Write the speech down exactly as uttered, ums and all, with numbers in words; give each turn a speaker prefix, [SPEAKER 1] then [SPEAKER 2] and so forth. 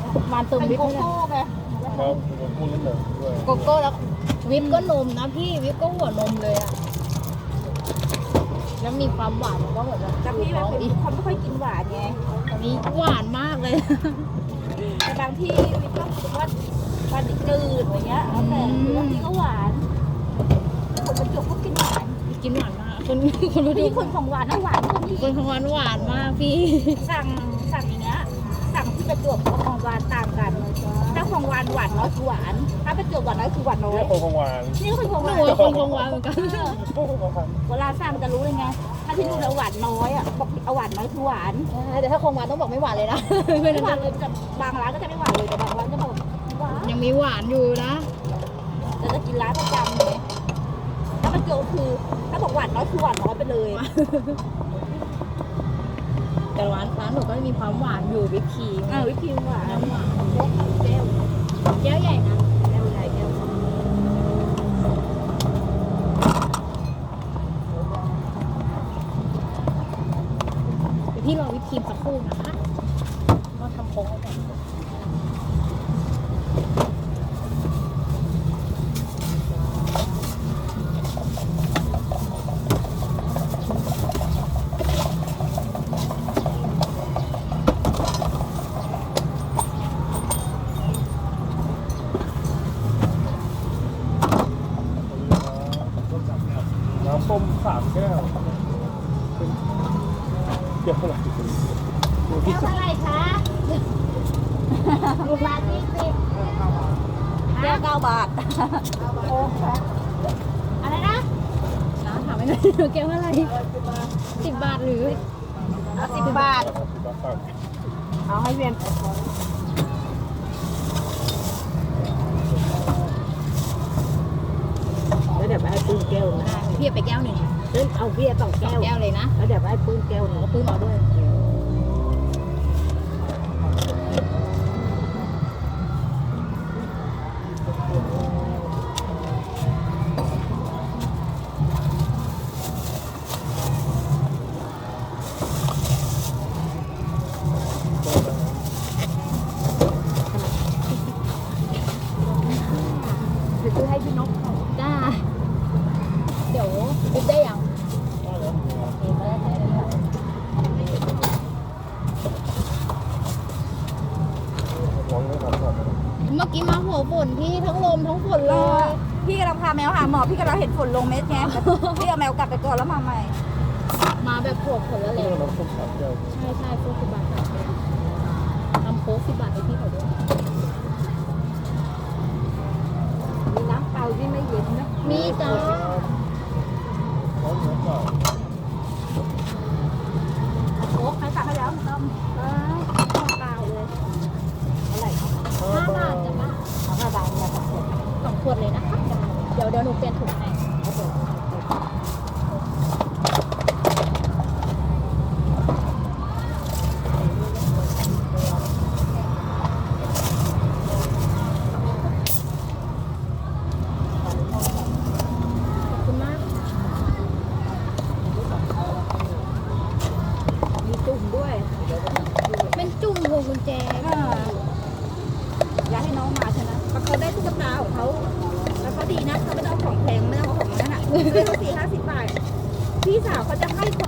[SPEAKER 1] หวานเติม
[SPEAKER 2] เป็น
[SPEAKER 1] วิป
[SPEAKER 2] โก
[SPEAKER 1] ให้เลย
[SPEAKER 2] โก้ไง
[SPEAKER 3] แล้วผมพูดเรื่องหนึ่งด้วย
[SPEAKER 1] โกโก้แล้ววิปก็นมนะพี่วิปก็หัวนมเลยอะแล้วมีความหวานมันก็เหมือนแบบ
[SPEAKER 2] แต่พี่แบบเป็นคนไม่ค่อยกินหวานไง
[SPEAKER 1] อันนี้หวานมากเลย
[SPEAKER 2] แต่บางที่มีก็รู้สึกว่าหวานจืดอย่างเงี้ยแล้วแต่คือบางทีก็หวานคนประจวบก็กินหวาน
[SPEAKER 1] กินหวานมากคนคนรู้
[SPEAKER 2] พี่
[SPEAKER 1] ดี
[SPEAKER 2] คนของหวานนะหวานคนที่
[SPEAKER 1] คนของหวานหวานมากพี่
[SPEAKER 2] สั่งสั่งอย่างเงี้ยสั่งที่ประจวบกับของหวานต่างกันถ้าของหวานหวานน้อยคือหวานถ้าประจวบหวานน้อยคือหวานน้อย
[SPEAKER 3] เรียกคนของหวาน
[SPEAKER 2] นี่คือของห
[SPEAKER 1] ห
[SPEAKER 2] วา
[SPEAKER 1] นู
[SPEAKER 2] น
[SPEAKER 1] ว่าคนของหวานเหมือนกัน
[SPEAKER 3] พวกของหวาน
[SPEAKER 2] เวลาสั่งจะรู้เลยไงถ้าที่นู่นเราหวานน้อยอ่ะบอกเอาหวานน้อยคือหวาน
[SPEAKER 1] แต่ถ้าคงหวานต้องบอกไม่หวานเลยนะ ไม่
[SPEAKER 2] ไม่
[SPEAKER 1] นั้น
[SPEAKER 2] หวานเลยแต่บางร้านก็จะไม่หวานเลยแต่บางร้านจะบอกหวาน
[SPEAKER 1] ยังมีหวานอยู่นะ
[SPEAKER 2] แต่จะกินร้านประจำเลยถ้าประจวบคือถ้าบอกหวานน้อยคือหวานน้อยไปเลย
[SPEAKER 1] แต่ร้านร้านหนูก็มีความหวานอยู่วิปครีม
[SPEAKER 2] อ่าวิปครีมหวาน
[SPEAKER 1] น้ำหวาน
[SPEAKER 2] แก้วแก้ว
[SPEAKER 1] แก้วใหญ่นะ
[SPEAKER 2] แก้วใหญ่แก้ว
[SPEAKER 1] เดี๋ยวพี่รอวิปครีมสักครู่นะคะก็ทำโค้งให้ก่อน
[SPEAKER 3] น้ำส้มสามแก้วเกี่ยวอะไรดูที่
[SPEAKER 1] แก้วเท่าไหร่คะลูกละยี่สิบ
[SPEAKER 2] แก้วเก้าบาท
[SPEAKER 1] โอ้ค่ะอะไรนะน้าถามไม่ได้แก้วเท่าไหร่สิบบาทหรือ
[SPEAKER 2] เอาสิบบาท
[SPEAKER 3] สิบบาทต่าง
[SPEAKER 2] เอาให้เวียนแล้วเดี๋ยวไปให้ปื้มแก้วนะ
[SPEAKER 1] ได้พี่เอาไปแก้วหนึ่ง
[SPEAKER 2] เอ้ยเอาเบียร์สอง
[SPEAKER 1] สอ
[SPEAKER 2] แก้
[SPEAKER 1] ง
[SPEAKER 2] ว
[SPEAKER 1] แก้วเลยนะ
[SPEAKER 2] แล้วเดี๋ยวไปให้ปื้มแก้วหนึง
[SPEAKER 1] ก็ปื้มเอาด้วย
[SPEAKER 2] เดี๋ยวซื้อให้พี่นกเขา
[SPEAKER 1] ได้เดี๋ยววิปได้ยังเองไม่ได้ใช้เลยค่ะ
[SPEAKER 3] ลองเลยครับก่อน
[SPEAKER 1] เมื่อกี้มาหัวฝนพี่ทั้งลมทั้งฝนเล
[SPEAKER 2] รอย พี่กำลังพาแมวหาหมอพี่กำลังเห็นฝนลงเม็ดไงพี่เอาแมวกลับไปก่อนแล้วมาใหม่
[SPEAKER 1] มาแบบหัวฝนแล้ว
[SPEAKER 3] เรื่
[SPEAKER 1] เร็
[SPEAKER 3] อง
[SPEAKER 1] ว
[SPEAKER 3] น้ำส้มสามแก้ว
[SPEAKER 1] ใช่ใช่โค้กสิบบาทค่ะทำโค้กสิบบาทให้พี่เขาด้วย
[SPEAKER 2] มีน้ำเปล่าที่ไม่เย็นนะ
[SPEAKER 1] มีจ้า
[SPEAKER 3] ร้อนเหมือนเปล่า
[SPEAKER 2] โอ้ใครสั่งให้แล้วต้มเออน้ำเปล่าเลยเท่าไหร่ครับ
[SPEAKER 1] ห้าบาทจ้ะป้า
[SPEAKER 2] เอาห้าบาทเนี่ยครับผม
[SPEAKER 1] สองขวดเลยนะคะเดี๋ยวเดี๋ยวหนูเปลี่ยนถุงให้
[SPEAKER 2] เอาไป
[SPEAKER 1] ขอบคุณมาก
[SPEAKER 2] มีจุ่มด้วย
[SPEAKER 1] เป็นจุ่มพวงกุญแจ
[SPEAKER 2] อ่าอยากให้น้องมาใช่ไหมเพราะเขาได้ตุ๊กตาของเขาแล้วเขาดีนะเขาไม่ต้องเอาของแพงไม่ต้องเอาของนั้นอ่ะซื้อเขาสี่ห้าสิบบาทพี่สาวเขาจะให้